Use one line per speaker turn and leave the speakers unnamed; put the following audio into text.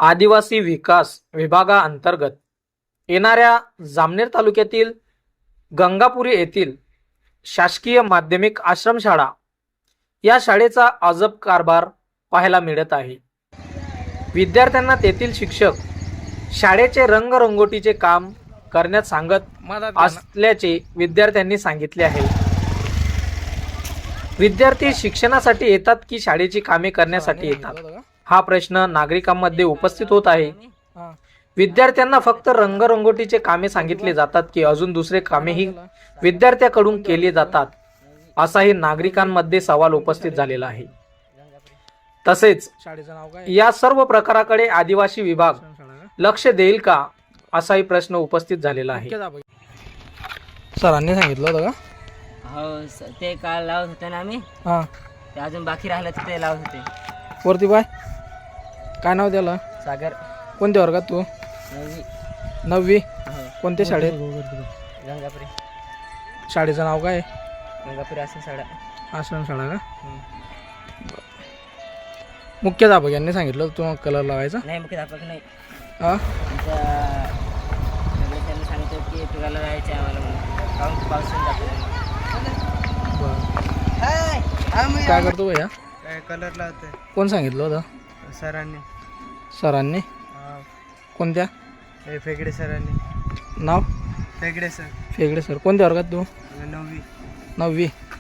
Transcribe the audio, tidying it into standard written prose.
आदिवासी विकास विभागाअंतर्गत येणाऱ्या जामनेर तालुक्यातील गंगापुरी येथील शासकीय माध्यमिक आश्रमशाळा या शाळेचा अजब कारभार पाहायला मिळत आहे। विद्यार्थ्यांना तेथील शिक्षक शाळेचे रंगरंगोटीचे काम करण्यास सांगत असल्याचे विद्यार्थ्यांनी सांगितले आहे। विद्यार्थी शिक्षणासाठी येतात की शाळेची कामे करण्यासाठी येतात, हा प्रश्न नागरिकांमध्ये उपस्थित होत आहे। विद्यार्थ्यांना फक्त रंगरंगोटीचे कामे सांगितले जातात की अजून दुसरे कामेही विद्यार्थ्यांकडून केले जातात, असाही नागरिकांमध्ये सवाल उपस्थित झालेला आहे। तसेच या सर्व प्रकाराकडे आदिवासी विभाग लक्ष देईल का, असाही प्रश्न उपस्थित झालेला आहे।
सरांनी सांगितलं होतं का?
हो ते काल लावत होते ना आम्ही,
हां
ते अजून बाकी राहिलं तर ते लावत होते।
वरती बाय काय नाव त्याला?
सागर
कोणत्या वर्गात तू?
9वी।
9वी।
हो
कोणत्या शाळेत?
गंगापुरी।
शाळेचं नाव काय?
गंगापुरी आश्रमशाळा।
आश्रमशाळा का? मुख्याध्यापक यांनी सांगितलं तुम्हाला कलर लावायचा?
नाही मुख्याध्यापक नाही,
हां
आमच्या त्यांनी सांगितलं की तुला राहायचं आम्हाला म्हणून, कारण की पावसाने जातो।
काय करतो भैया?
काय कलर लावते
कोण सांगितलं होतं?
सरांनी।
सरांनी? कोणत्या?
हे फेगडे सरांनी।
नाव?
फेगडे सर।
फेगडे सर। कोणत्या वर्गात तू?
9वी।
9वी।